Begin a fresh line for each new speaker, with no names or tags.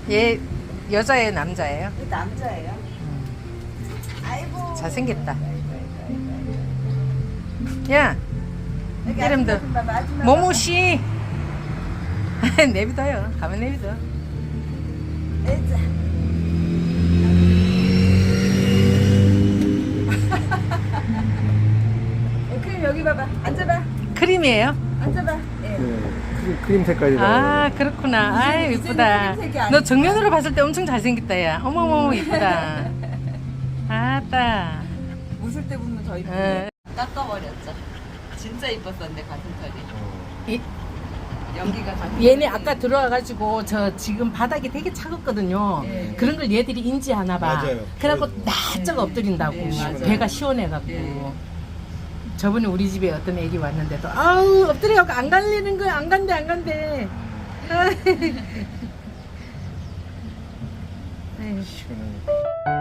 얘 여자예요, 남자예요?
남자예요. 아이고.
잘생겼다. 야,
여기
이름도
아줌마 좀 봐봐, 아줌마
모모 씨. 내비둬요. 가면 내비둬.
봐봐. 애자. 크림 여기 봐봐. 앉아봐.
크림이에요?
앉아봐. 예.
네, 크림 색깔이
아, 그렇구나. 아이, 이쁘다.
크림색이 아니야.
너 정면으로 봤을 때 엄청 잘생겼다, 야. 어머머, 이쁘다. 아따.
웃을 때 보면 더
어.
이쁘네. 깎아버렸죠. 진짜 이뻤었는데 가슴털이.
이,
연기가 다.
얘네 아까 들어와가지고 저 지금 바닥이 되게 차갑거든요.
네.
그런 걸 얘들이 인지하나 봐.
맞아요.
그래갖고 낯짝 엎드린다고.
네, 맞아요.
배가 시원해갖고.
네.
저번에 우리 집에 어떤 애기 왔는데도 아우 엎드려갖고 안 갈리는 거야. 안 간대 안 간대. 아이.
시원하니까.